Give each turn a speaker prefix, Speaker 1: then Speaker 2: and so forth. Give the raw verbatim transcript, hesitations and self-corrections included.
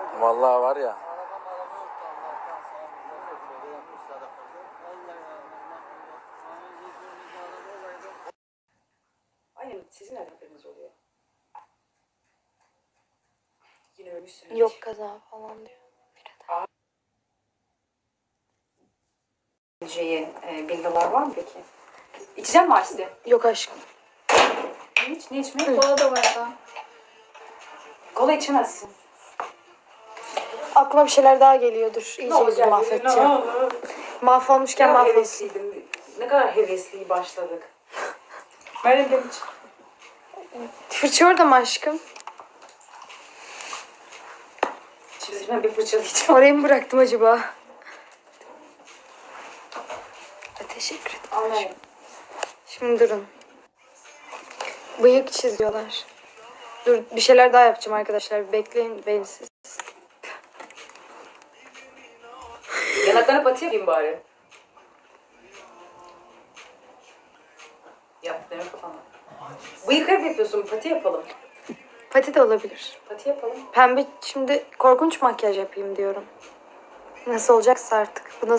Speaker 1: Vallahi var ya.
Speaker 2: Aynen sizin nereden haberiniz oluyor? Yine ölmüşsünüz.
Speaker 3: Yok kaza falan diyor.
Speaker 2: Şeyi, e, villalar var mı peki? İçeceğim mi Arside?
Speaker 3: Yok aşkım.
Speaker 2: Hiç, ne içmek?
Speaker 4: Kola da var da.
Speaker 2: Kola içemezsin.
Speaker 3: Aklıma bir şeyler daha geliyordur. İyice yüzümü mahvedeceğim. Mahvolmuşken
Speaker 2: Ne kadar
Speaker 3: mahvolsun.
Speaker 2: hevesliydim. Ne kadar hevesli başladık. Meryem ben hiç.
Speaker 3: Fırça orada mı aşkım?
Speaker 2: Şimdi ben bir fırçalayacağım.
Speaker 3: Orayı mı bıraktım acaba? Teşekkür ederim.
Speaker 2: Anlayın.
Speaker 3: Şimdi durun. Bıyık çiziyorlar. Dur bir şeyler daha yapacağım arkadaşlar. Bekleyin beni siz.
Speaker 2: Yanaklarına pati yapayım bari. Yap, deme kafana. Bıyık hep yapıyorsun, pati yapalım.
Speaker 3: Pati de olabilir.
Speaker 2: Pati yapalım.
Speaker 3: Pembe şimdi korkunç makyaj yapayım diyorum. Nasıl olacaksa artık. Bu nasıl